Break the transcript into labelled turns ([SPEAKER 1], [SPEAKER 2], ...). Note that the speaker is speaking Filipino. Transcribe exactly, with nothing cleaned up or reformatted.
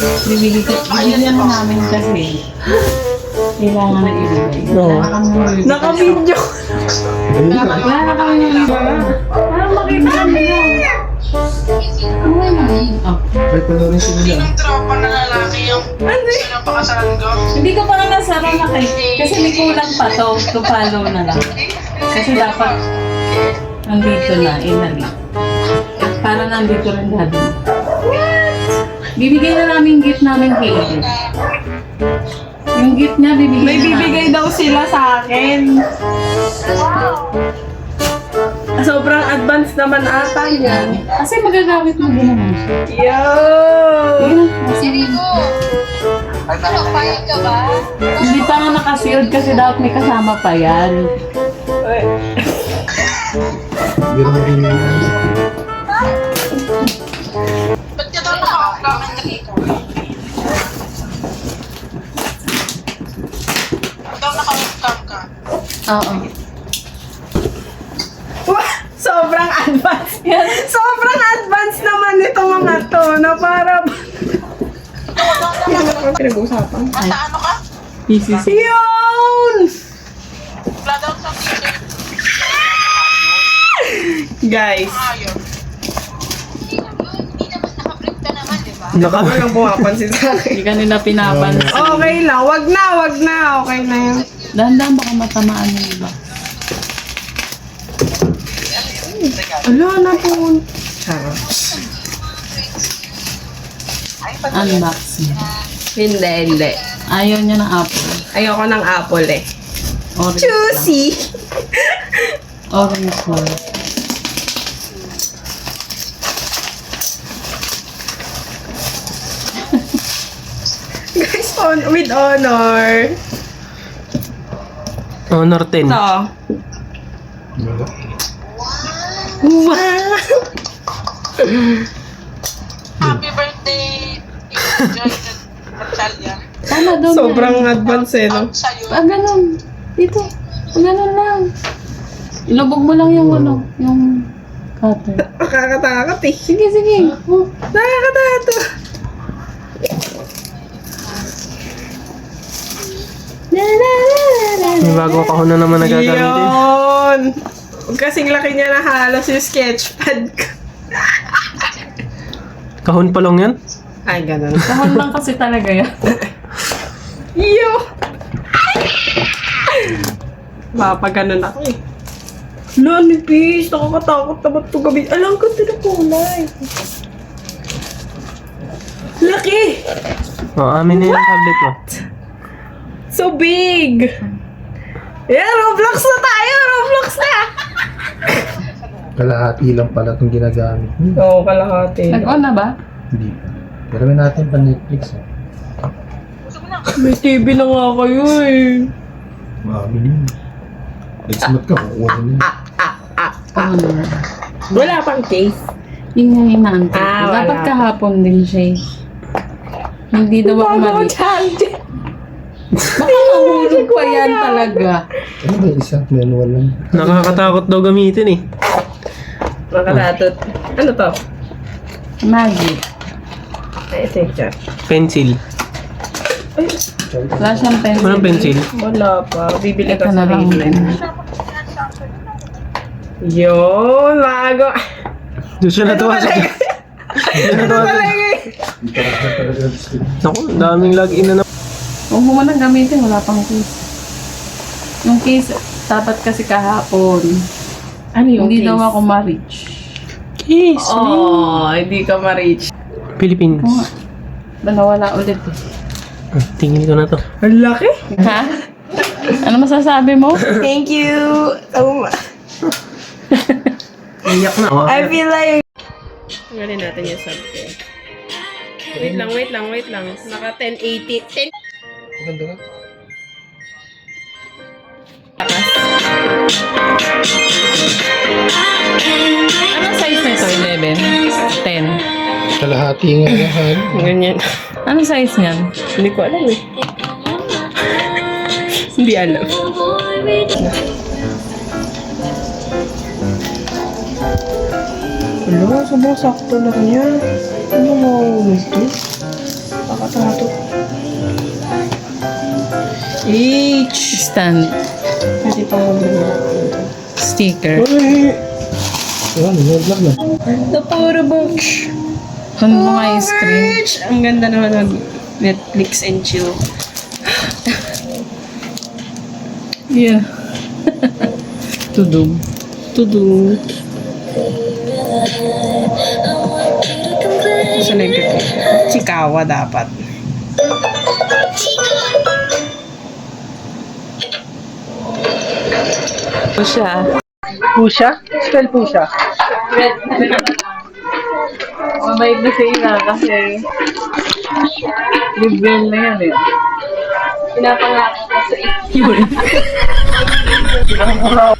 [SPEAKER 1] Bibili ko, bibigyan na namin kasi. Kailangan na ibigay.
[SPEAKER 2] Oo.
[SPEAKER 3] Naka-video.
[SPEAKER 1] Wala na kami yung iba. Parang makita kami na. Oh.
[SPEAKER 2] May panorin sila lang.
[SPEAKER 4] Yung tropa na lalaki yung sinapakasalan ko.
[SPEAKER 1] Hindi ko pa nga nasara na kay. Kasi may kulang pa to. To follow na lang. Kasi dapat nandito na, inali. Para nandito rin dati. Bibigay na namin gift namin kay Edith. Yung gift niya, bibigay
[SPEAKER 3] May
[SPEAKER 1] na
[SPEAKER 3] bibigay daw sila sa akin. Sobrang advance naman ata yan.
[SPEAKER 1] Kasi magagamit mo din naman.
[SPEAKER 3] Yo!
[SPEAKER 5] Sirigo! Nakapayag ka ba?
[SPEAKER 1] Hindi pa nga nakasiod kasi dapat may kasama pa yan.
[SPEAKER 2] Biro na rin yun.
[SPEAKER 4] Ba't ka daw nakakakamit na dito? Ba't daw nakawagkam ka?
[SPEAKER 1] Oo.
[SPEAKER 3] Wah! Sobrang advance yan. Sobrang advance naman nito mga to na para... Yan ako pinag-uusapan.
[SPEAKER 4] Nasa ano ka?
[SPEAKER 1] P C C.
[SPEAKER 3] Yun!
[SPEAKER 4] Wala daw sa t-shirt.
[SPEAKER 3] Guys,
[SPEAKER 4] Ayaw.
[SPEAKER 5] Hindi naman nakaprint ka naman, di ba?
[SPEAKER 2] Naka...
[SPEAKER 3] walang pumapansin sa akin.
[SPEAKER 1] Hindi ka nila pinapansin.
[SPEAKER 3] Okay lang, wag na, wag na. Okay na yun.
[SPEAKER 1] Dahan-dahan baka matamaan yung iba.
[SPEAKER 3] Ala, na po. Charot.
[SPEAKER 1] Unboxing.
[SPEAKER 3] Hindi, hindi.
[SPEAKER 1] Ayaw niya ng apple.
[SPEAKER 3] Ayoko ng apple eh.
[SPEAKER 1] Orange
[SPEAKER 3] Juicy!
[SPEAKER 1] lang. Orange lang.
[SPEAKER 3] Guys, on, with honor.
[SPEAKER 2] Honor ten.
[SPEAKER 3] Ito. Wow!
[SPEAKER 4] Happy birthday, Joy Natalia.
[SPEAKER 1] Tama doon.
[SPEAKER 3] Sobrang advance eh, no?
[SPEAKER 4] Out sa'yo.
[SPEAKER 1] Ah, ganun. Dito. Ah, ganun lang. Ilubog mo lang yung ano, yung cutter.
[SPEAKER 3] Nakakatakot eh.
[SPEAKER 1] Sige, sige. Oh.
[SPEAKER 3] Nakakatakot.
[SPEAKER 2] May bagong kahon na naman nagagamitin.
[SPEAKER 3] Yun! Huwag kasing laki niya na halos yung sketchpad ko.
[SPEAKER 2] Kahon pa lang yan?
[SPEAKER 3] Ay, ganun.
[SPEAKER 1] Kahon lang kasi talaga yan.
[SPEAKER 3] Yo! Mapa ganun ako eh. Lo, nipis. Nakakatakot naman ito gabi. Alam ko ito na kulay. Laki!
[SPEAKER 2] O, amin na yung tablet mo.
[SPEAKER 3] So big! Yeah, Roblox na tayo! Roblox na!
[SPEAKER 6] Kalahati lang pala itong ginagamit. Hmm,
[SPEAKER 3] Oo, kalahati.
[SPEAKER 1] Nag-on na ba?
[SPEAKER 6] hindi pa. Pero may natin pa Netflix. Eh.
[SPEAKER 3] May T V na nga kayo eh.
[SPEAKER 6] Maamin yun. Nag-smart ka, kukuha mo yun.
[SPEAKER 3] Ah, ah, ah, ah.
[SPEAKER 1] Ano?
[SPEAKER 3] Wala pang case.
[SPEAKER 1] Yun nga yung naantay ko.
[SPEAKER 3] Ah,
[SPEAKER 1] Dapat
[SPEAKER 3] wala.
[SPEAKER 1] kahapon din siya eh. Hindi daw ako
[SPEAKER 3] Mama ko,
[SPEAKER 1] mali.
[SPEAKER 3] Charlie.
[SPEAKER 1] Baka mahulog pa yan talaga.
[SPEAKER 6] Ano ba yung isa? Manual lang.
[SPEAKER 2] Nakakatakot daw gamitin eh.
[SPEAKER 3] Nakalatot. Ano to?
[SPEAKER 1] Magic.
[SPEAKER 3] Ay, ito yung chat.
[SPEAKER 2] Pencil.
[SPEAKER 3] Ay,
[SPEAKER 1] Wala siyang pencil.
[SPEAKER 2] Walang pencil.
[SPEAKER 3] wala pa. Bibili
[SPEAKER 1] Ito
[SPEAKER 3] ka
[SPEAKER 1] na
[SPEAKER 3] sa
[SPEAKER 1] lang din.
[SPEAKER 3] Raven. Yun, bago.
[SPEAKER 2] Doon siya natuwa sa... Doon
[SPEAKER 3] Ano
[SPEAKER 2] natuwa sa...
[SPEAKER 3] talaga eh?
[SPEAKER 6] Hindi pa rin talaga gusto.
[SPEAKER 2] Naku, daming login na naman.
[SPEAKER 1] Huwag mo man gamitin, wala pang case. Yung case, dapat kasi kahapon.
[SPEAKER 3] Ano yung
[SPEAKER 1] Hindi
[SPEAKER 3] case?
[SPEAKER 1] daw ako ma-reach.
[SPEAKER 2] Case.
[SPEAKER 3] Oh, hindi ka ma-reach.
[SPEAKER 2] Philippines.
[SPEAKER 1] Oo nga. Ba nawala ulit eh.
[SPEAKER 2] Ah, tingin ko na to.
[SPEAKER 3] Ang laki.
[SPEAKER 1] Ha? Ano masasabi mo?
[SPEAKER 3] Thank you so much.
[SPEAKER 2] Iyak na. Oh.
[SPEAKER 3] I feel like... Tanggalin natin yung sub ko. Wait lang, wait lang, wait lang. Naka ten eighty. ten...
[SPEAKER 6] Maganda ka?
[SPEAKER 1] Anong size nito? eleven? ten?
[SPEAKER 6] Kalahati nga lahat.
[SPEAKER 3] Ganyan.
[SPEAKER 1] Anong size niyan?
[SPEAKER 3] Hindi ko alam eh. Hindi alam. Ano, sobrang sakto lang yan. Ano mo ito? Nakakatawa to. H!
[SPEAKER 1] Stand.
[SPEAKER 3] Pwede pa mag-vlog.
[SPEAKER 1] Sticker.
[SPEAKER 6] Uy! Ano, vlog na.
[SPEAKER 3] The Photo Box!
[SPEAKER 1] Kung mga screen.
[SPEAKER 3] Ang ganda naman mag Netflix and chill.
[SPEAKER 1] Yeah. Tudong.
[SPEAKER 3] Tudu. Sa negative. Chikawa dapat.
[SPEAKER 1] Pusha.
[SPEAKER 2] Pusha? Spell pusha.
[SPEAKER 1] Mabait na siya na kasi liberal na yan eh.
[SPEAKER 3] Pinapangako ko sa iyo.